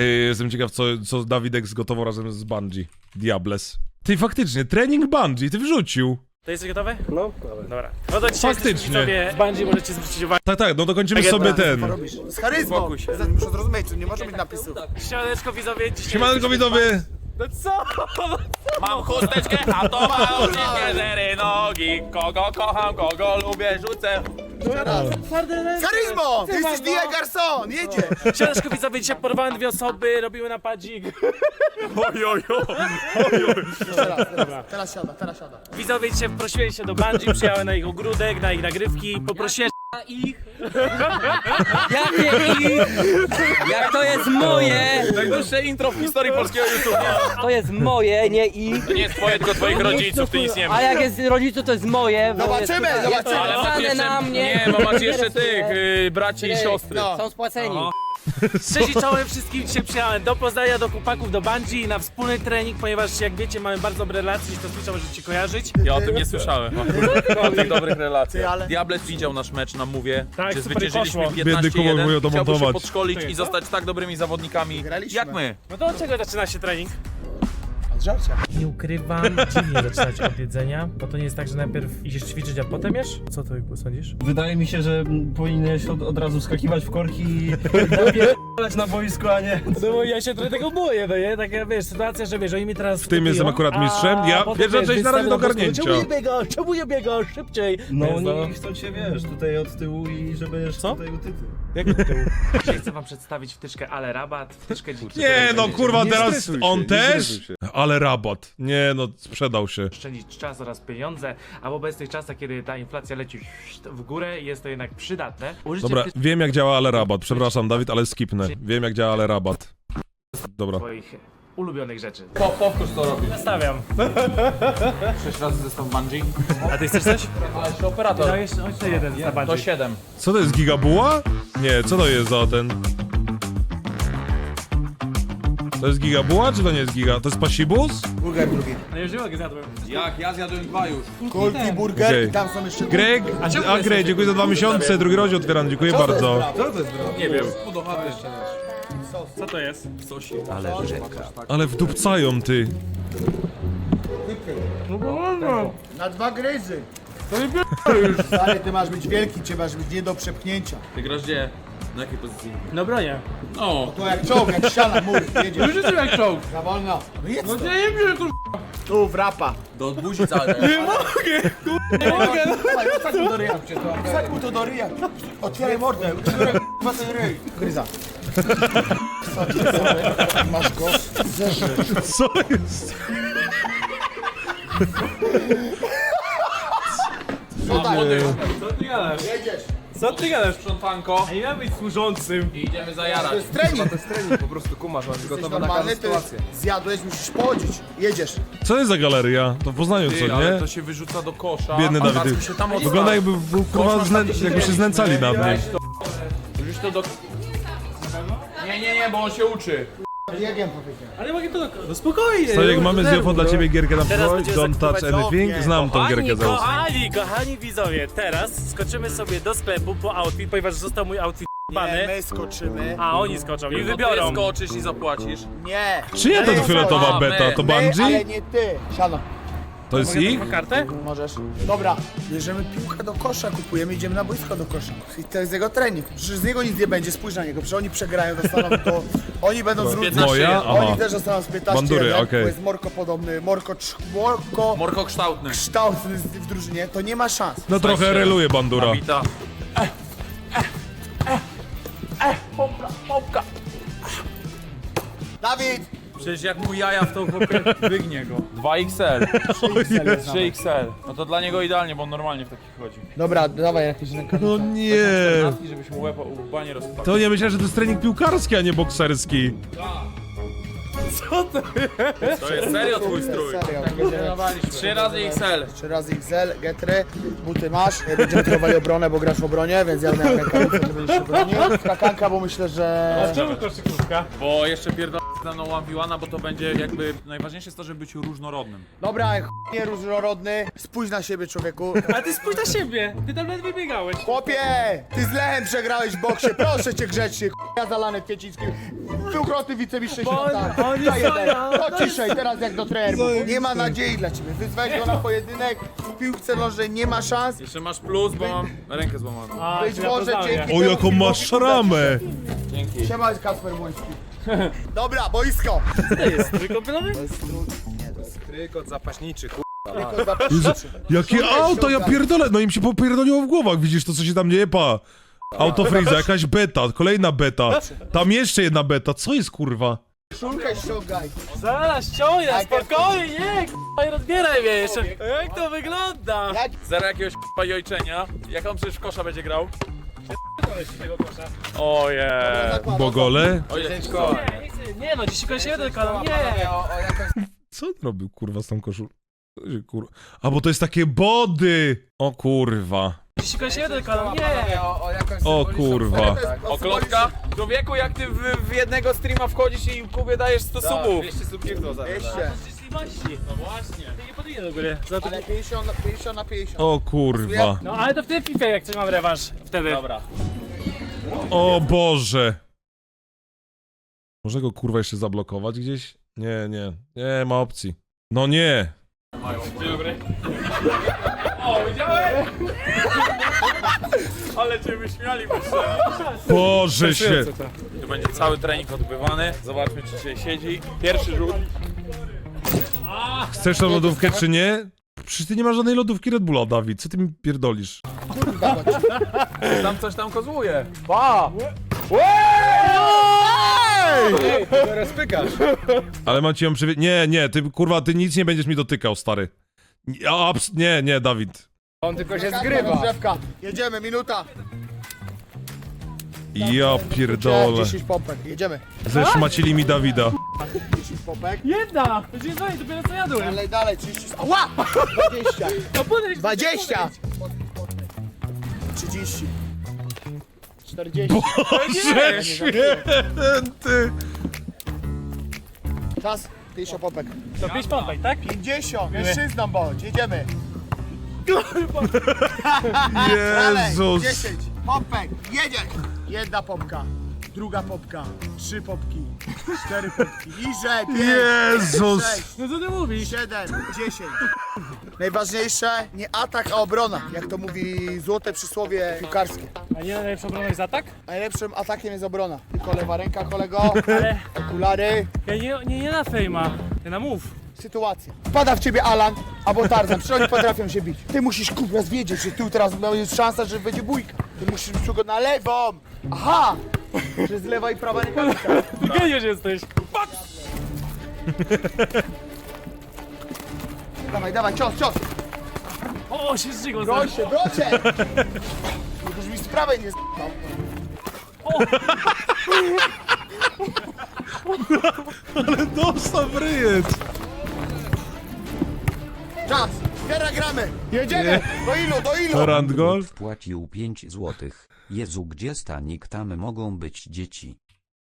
Jestem ciekaw, co Dawidek zgotował razem z Bungie. Diables. Ty faktycznie, trening Bungie, ty wrzucił. To jest gotowe? No, Dobra. No to dzisiaj Faktycznie. sobie z Bungie możecie zwrócić uwagę. Tak, no dokończymy sobie ten. Z charyzmą! Muszę zrozumieć, że nie może być napisów. Siemaneczko widzowie, dzisiaj... Siemanko widzowie. No co? Mam chusteczkę, a to ma oczywiście 4 nogi. Kogo kocham, kogo lubię, rzucę. Z charyzmą! Ty jesteś Dia Garçon! Jedzie! Siemaneczko widzowie, dzisiaj porwałem 2 osoby, robimy napadzik. Teraz siada. Widzowie, dzisiaj prosiłem się do Bungie, przyjechałem na ich ogródek, na ich nagrywki, poprosiłem ich? Jakie ich? Jak to jest moje? Najdłuższe intro w historii polskiego YouTube. To jest moje, nie ich. To nie jest twoje, tylko twoich rodziców, ty nic nie A wiesz. jak jest rodziców, to jest moje. bo Zobaczymy, jest, zobaczymy. Jest Ale masz napisane jeszcze, na mnie. nie, bo masz jeszcze tych braci i siostry. No. Są spłaceni. Cześć i czołem wszystkim, dzisiaj przyjechałem do Poznania, do chłopaków, do Bungie na wspólny trening, ponieważ jak wiecie mamy bardzo dobre relacje, to Twitcha możecie kojarzyć. Ja o tym nie słyszałem. O tych dobrych relacjach. Ty, ale- Diables widział nasz mecz na Mówie, Tak, gdzie super zwyciężyliśmy poszło. Biedny Kuba mówił 15-1. to Chciałby się montować. podszkolić i zostać tak dobrymi zawodnikami Graliśmy. jak my. No to od czego zaczyna się trening? Od żarcia. Nie ukrywam, dziwnie zaczynać od jedzenia, bo to nie jest tak, że najpierw idziesz ćwiczyć, a potem jesz? Co ty sądzisz? wydaje mi się, że powinieneś od razu skakiwać w korki i napierdalać na boisku, a nie... No bo ja się trochę tego boję, no nie? Taka wiesz, sytuacja, że wiesz, oni mi teraz W tym jestem akurat mistrzem. Ja pierwsza część na razie do ogarnięcia. Czemu nie biega szybciej? No Więc oni chcą cię, wiesz, tutaj od tyłu i żeby Co? tutaj u tyłu. Jak do tyłu? Dzisiaj chcę wam przedstawić wtyczkę Ale Rabat, wtyczkę dziki. Nie no kurwa, Nie teraz stresuj się, on nie też? stresuj się. Ale rabat. Nie no, sprzedał się. Oszczędzić czas oraz pieniądze, a w obecnych czasach, kiedy ta inflacja leci w górę, jest to jednak przydatne. Użycie Dobra, wiem jak działa ale rabat. Przepraszam Dawid, ale skipnę. Wiem jak działa ale rabat. Dobra. swoich ulubionych rzeczy. Powtórz to robisz. Nastawiam. 6 razy zestaw bungee. A ty chcesz coś? A jeszcze operator. No jeszcze jeden na To bardziej. 7. Co to jest gigabuła? Nie, co to jest za ten? To jest gigabuła, czy to nie jest giga? To jest pasibus? Burger drugi. No już nie mogę, zjadłem. Jak? Ja zjadłem 2 już. Kulki burger Okej. i tam są jeszcze... Greg, Greg, dziękuję za 2 miesiące, drugi rozdział otwieram, dziękuję bardzo. Nie wiem. Co to jest? Ale wdupcają ty. Na 2 gryzy. Ale ty masz być wielki, cię masz być nie do przepchnięcia. Ty grasz gdzie? Na jakiej pozycji? No bronię. No. To jak czołg, jak ściana, mur, jedziesz. Już jestem jak czołg. Za wolno. No jedz to. Nie wiem, kur... Tu, w rapa. Do buzi całej. Nie mogę. Wsadź mu do ryja. Wsadź mu to do ryja. Otwieraj mordę. Otwieraj k***a ten ryj. Gryza. Masz go. Zerze. Co jest? Co ty gadasz? Jedziesz. Co ty gadasz? Sprzątanko. Ej, ja być służącym. I idziemy zajarać. To jest trening. Po prostu kumasz, masz Jesteś gotowe na normalny, każdą ty sytuację. zjadłeś, musisz pochodzić. Jedziesz. Co jest za galeria? To w Poznaniu Ty, co, ale nie? to się wyrzuca do kosza. Biedny a Dawid. Dawid się tam Wygląda jakby był kurwa, jakby się znęcali nad nim. Wrzuć to do... Nie, bo on się uczy. Biegiem powiedziałem. Ale mogę to... No spokojnie. To jak mamy z Jofo dla ciebie gierkę na Teraz przykład, będziemy Don't touch zakupywać anything, znam tą gierkę za usta. Kochani widzowie, teraz skoczymy sobie do sklepu po outfit, ponieważ został mój outfit bany, My skoczymy. a oni skoczą i Ty wybiorą. skoczysz i zapłacisz. Nie. Czyja to fioletowa beta? To My, ale Bungie? nie ty. Siano. To jest ich? Mogę kartę? Możesz. Dobra, bierzemy piłkę do kosza, kupujemy, idziemy na boisko do kosza. I to jest jego trening. Przecież z niego nic nie będzie, spójrz na niego. Przecież oni przegrają, dostaną to. Oni będą z 15 Moja? jeden. Aha. Oni też dostaną z 15 Bandury, jeden, okej. bo jest Morko podobny. Morko Morko kształtny. kształtny w drużynie, to nie ma szans. No trochę reluje bandura. Wita. Dawid! Przecież jak mu jaja w tą chłopie, wygnie go. 2XL. 3XL. No to dla niego idealnie, bo on normalnie w takich chodzi. Dobra, dawaj jakieś rękawice. No nie. Naski, żebyś mu łeb łba nie rozpadł. To nie myślę, że to jest trening piłkarski, a nie bokserski. To jest serio twój strój. Serio, będziemy 3 razy XL. 3 razy XL, getry, buty masz. Będziemy trenowali obronę, bo grasz w obronie, więc ja miałem rękawice, że będziesz się bronił. Skakanka, bo myślę, że... Czemu koszykówka? Bo jeszcze pierdolę ze mną 1v1, bo to będzie jakby... Najważniejsze jest to, żeby być różnorodnym. Dobra, nie różnorodny, spójrz na siebie, człowieku. A ty spójrz na siebie, ty tam ledwie biegałeś. Chłopie, ty z Lechem przegrałeś w boksie, proszę cię grzecznie, ja zalany Kwieciński. Dwukrotny wicemistrz Bo świata. oni Za jeden. stoją. To ciszej, teraz jak do trenerów. Nie ma nadziei dla ciebie. Wyzwałeś go na pojedynek. W piłce nożnej nie ma szans. Jeszcze masz plus, bo mam rękę złamaną. A, Być ja może poznałem, dzięki nie? O, jaką masz szramę! Dzięki. Siema, Kasper Młoński. Dobra, boisko. To jest trójkąpielowy? Trykot zapaśniczy, Tylko zapraszam. Jakie auto, ja pierdolę! No im się popierdoliło w głowach, widzisz to, co się tam dzieje, pa. Auto Freeza, jakaś beta, kolejna beta. Tam jeszcze jedna beta, co jest kurwa? Szulkę ściągaj. Zaraz ściągnę, spokojnie, nie, k***a, nie rozbieraj mnie jeszcze. Jak to wygląda? Jak Zero jakiegoś k***a jojczenia. Jak on przecież w kosza będzie grał? Tego kosza. Ojej. zakłada? Bogole? Ojejeczko. Nie no, dziś kończymy ten kanał, nie. Co on robił kurwa z tą koszulą? Co się, kurwa? A bo to jest takie body! O kurwa. Dziś kończymy ten kanał, nie. O kurwa. O klotka? Człowieku, jak ty w jednego streama wchodzisz i Kubie dajesz 100 subów. 200 subów niech to Jeszcze. No właśnie. Ty nie podwinę do góry. Za to... Ale 50 na 50. O kurwa. No ale to w tym FIFA jak coś mam rewanż wtedy. Dobra. O Boże. Może go kurwa jeszcze zablokować gdzieś? Nie, nie. Nie ma opcji. No nie. Dzień dobry. O, widziałeś? Ale cię wyśmiali, Boże się. Tu będzie cały trening odbywany. Zobaczmy, czy dzisiaj siedzi. Pierwszy rzut. Chcesz tą lodówkę czy nie? Przecież ty nie masz żadnej lodówki Red Bulla, Dawid. Co ty mi pierdolisz? Tam coś tam kozłuje. Ale mam ci ją przywie... Nie, nie, ty kurwa, ty nic nie będziesz mi dotykał, stary. Nie, nie, Dawid. Rozgrzewka. Jedziemy, minuta. Ja pierdolę. 10 pompek, jedziemy. Zeszmacili mi Dawida. 10 pompek. Jedna! Będzie dalej, dopiero co jadłem. Dalej, dalej, 30. Ała! 20. No podejść. 20. 30. 40. Boże święty. Czas. 50 pompek. To 5 pompek, tak? 50. Mężczyzną bądź. Jedziemy. Dalej. Jezus. 10 pompek. Jedziesz. Jedna pompka. Druga pompka. 3 pompki. 4 pompki. Niżej. 5. Jezus. 6. No co ty mówisz? 7, 10. Najważniejsze nie atak, a obrona, jak to mówi złote przysłowie piłkarskie. A nie najlepsza obrona jest atak? Najlepszym atakiem jest obrona. Tylko lewa ręka, kolego, Ale okulary, ja nie na fejma. Ja na move. sytuacja. Wpada w ciebie Alan albo Tarzan, przecież oni potrafią się bić. Ty musisz kurwa wiedzieć, że tu teraz jest szansa, że będzie bójka. Ty musisz go na lewą. Aha! Że z lewa i prawa rękawica. Ty geniusz jesteś. Dawaj, dawaj, cios, cios. O, się zżygał. Broń się, broń się. Już mi z prawej nie z***ał. Dostał w ryjec. Czas, teraz gramy. Jedziemy. Do ilu, do ilu? Randgol? Wpłacił 5 złotych. Jezu, gdzie stanik, tam mogą być dzieci.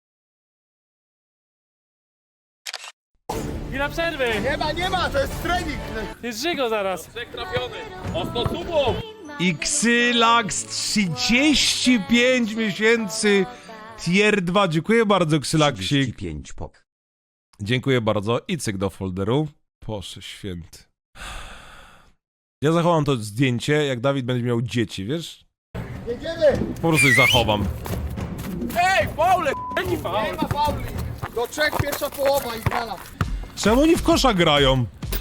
Chwila przerwy. Nie ma, to jest trening. Jest żygo zaraz. Trzech trafiony. O 100 subów. Xylax 35 miesięcy Tier 2. Dziękuję bardzo, Xylaxik. 35 pok. Dziękuję bardzo. I cyk do folderu. Boże święty. Ja zachowam to zdjęcie, jak Dawid będzie miał dzieci, wiesz? Jedziemy. Po prostu je zachowam. Ej, faule! Jaki faul? Nie ma fauli. Do 3 pierwsza połowa i znana. Czemu oni w kosza grają?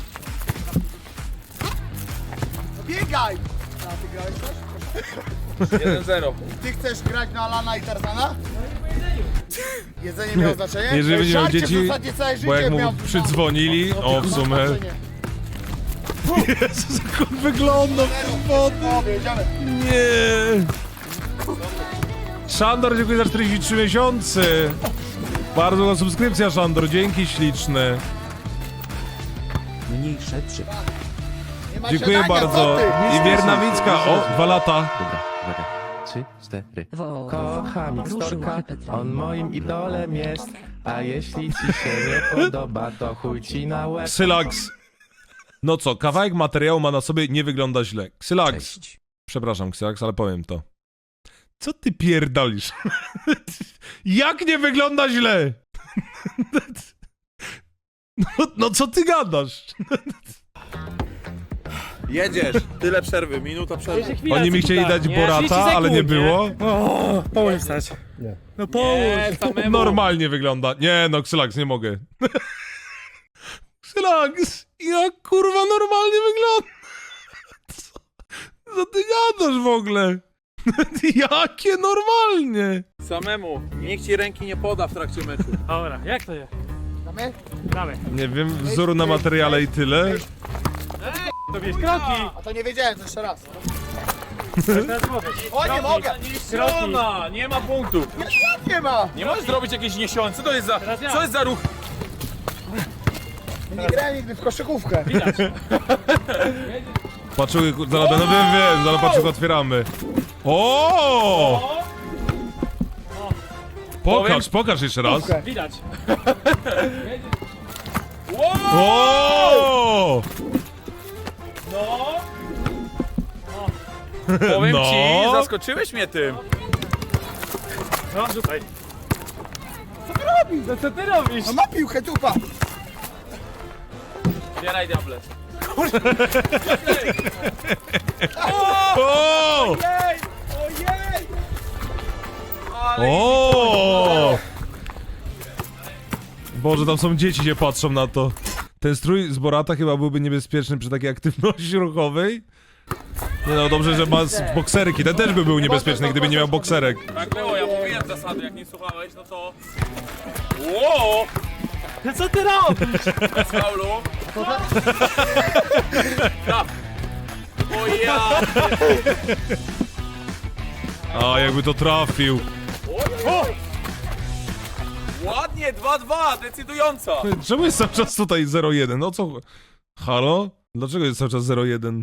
No biegaj. A ty grałeś też? 1-0. Ty chcesz grać na Alana i Tarzana? Jedzenie miało znaczenie? Jeżeli będzie miał Żarcie dzieci, w zasadzie całe życie bo jak mu miał- przydzwonili, o w sumie... znaczenie. Jezus, jak on wygląda w wody. O, jedziemy. Nie. Szandor, dziękuję za 43 miesiące. Bardzo ładna subskrypcja, Szandor, dzięki śliczne. Mniejsze 3. Nie ma Dziękuję siadania, bardzo. co ty? I Wierna Wicka, o, 2 lata. Dobra, uwaga. 3, 4. Kocham Storka, on moim idolem jest. A jeśli ci się nie podoba, to chuj ci na łeb. Xylax. No co, kawałek materiału ma na sobie, nie wygląda źle. Xylax. Cześć. Przepraszam, Xylax, ale powiem to. Co ty pierdolisz? Jak nie wygląda źle? No co ty gadasz? Jedziesz, tyle przerwy, minuta przerwy. Oni mi chcieli dać Borata, ale nie było. Połóż stać. No połóż. Normalnie wygląda. Nie no, Xylax, nie mogę. Xylax, jak kurwa normalnie wygląda? Co ty gadasz w ogóle? Jakie normalnie? Samemu, nikt ci ręki nie poda w trakcie meczu. Dobra, jak to jest? Damy? Dawaj. Nie wiem, wzoru na materiale i tyle. To wiesz, kroki. A to nie wiedziałem, to jeszcze raz. Teraz mogę. O, nie mogę! Strona, nie ma punktów. Nie ma! Nie możesz zrobić jakiejś niesiąc. Co to jest za, Teraz ja. co jest za ruch? Nie grałem nigdy w koszykówkę. Patrzyły, zaraz będę, wiem, zaraz patrzyły, otwieramy. O! Pokaż jeszcze raz. Widać. O! No. Powiem No. ci, zaskoczyłeś mnie tym. No, rzucaj. No co ty robisz? No ma piłkę, tupa! Zbieraj diable. O! Ojej! O! Boże, tam są dzieci, się patrzą na to. Ten strój z Borata chyba byłby niebezpieczny przy takiej aktywności ruchowej. Nie no, dobrze, że ma bokserki. Ten też by był niebezpieczny, gdyby nie miał bokserek. Tak było, ja mówiłem zasady, jak nie słuchałeś, no to... Ło! No co ty robisz? Bez faulu. Traf. O ja! A, jakby to trafił. Ładnie, 2-2, decydująca. Czemu jest cały czas tutaj 0-1? No co? Halo? Dlaczego jest cały czas 0-1?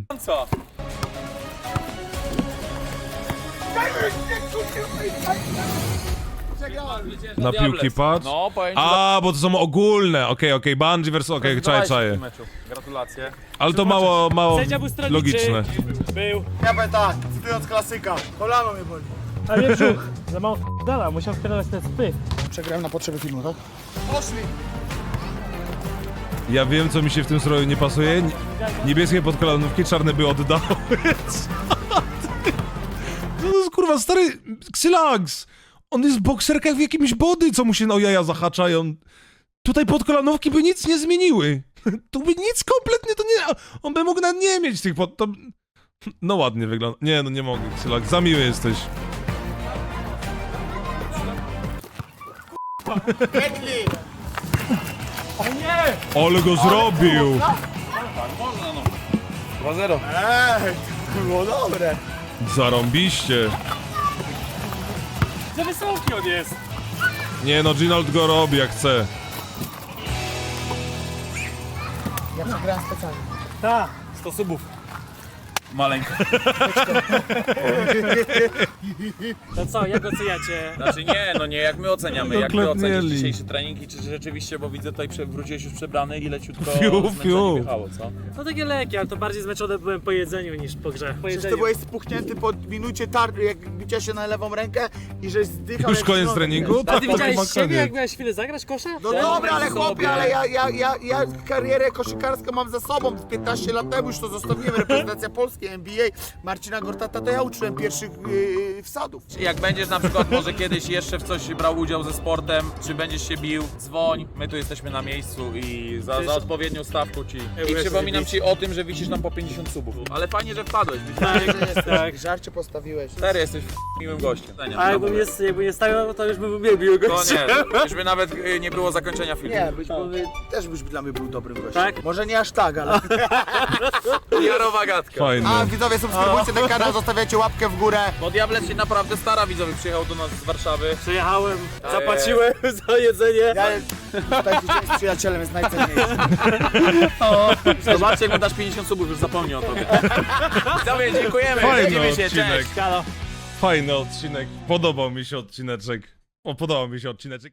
Na piłki patrz? No, powiem ci, A, bo to są ogólne. Okej, Bungie vs. Okej, czaję. Gratulacje. Ale to mało Sędzia był stronniczy. logiczne. Był. Ja powiem tak, cytując klasyka, kolano mnie boli. A nie brzuch. Za mało dala, musiał wpierdalać ten spy. Przegrałem na potrzeby filmu, tak? Poszli! Ja wiem, co mi się w tym stroju nie pasuje. Niebieskie podkolanówki, czarne by oddały. Co to jest kurwa, stary Xylax! On jest w bokserkach w jakimś body, co mu się o jaja zahaczają. Tutaj podkolanówki by nic nie zmieniły. Tu by nic kompletnie to nie... On by mógł nawet nie mieć tych pod... To... No ładnie wygląda. Nie, no nie mogę, Xylax, za miły jesteś. Piękli! Ale go zrobił! 2-0. To było dobre. Zarąbiście. Za wysoki on jest. Nie no, Ginold go robi jak chce. Ja przegrałem specjalnie. Tak. 100 subów. Maleńko. To co, jak oceniacie? Znaczy nie, no nie, jak my oceniamy, jak ty Doklepnieli. ocenisz dzisiejszy trening i czy rzeczywiście, bo widzę tutaj wróciłeś już przebrany i leciutko Fiu, zmęczenie fiu. wjechało, co? No takie lekkie, ale to bardziej zmęczony byłem po jedzeniu niż po grze. Po Przecież jedzeniu. ty byłeś spuchnięty po minucie jak bicia się na lewą rękę i żeś zdychał Już jak koniec środek, treningu? wiesz. A ty widziałeś chyba siebie, koniec. jak miałeś chwilę zagrać kosza? No dobra, ale chłopie, ale ja karierę koszykarską mam za sobą. 15 lat temu już to zostawiłem, reprezentacja Polski, NBA. Marcina Gortata to ja uczyłem pierwszych wsadów. Jak będziesz na przykład może kiedyś jeszcze w coś brał udział ze sportem, czy będziesz się bił, dzwoń, my tu jesteśmy na miejscu i za odpowiednią stawką ci. I przypominam ci o tym, że wisisz nam po 50 subów. Ale fajnie, że wpadłeś, Tak. Żarcie postawiłeś. Stary, jesteś miłym gościem. A jakby nie stawiał, to już bym uwielbił go. To nie, już by nawet nie było zakończenia filmu. Nie, też byś dla mnie był dobrym gościem. Tak? Może nie aż tak, ale... Jarowa gadka. Fajne. A widzowie, subskrybujcie ten kanał, zostawiacie łapkę w górę. Bo Diables się naprawdę stara, widzowie, przyjechał do nas z Warszawy. Przyjechałem, zapłaciłem za jedzenie. Ja tutaj tydzień z przyjacielem jest najcenniejszy. Zobaczcie, jak mu dasz 50 subów, już zapomnij o tobie. Widzowie, dziękujemy, Fajny widzimy się, odcinek. cześć. Halo. Fajny odcinek. Podobał mi się odcineczek. Podobał mi się odcineczek.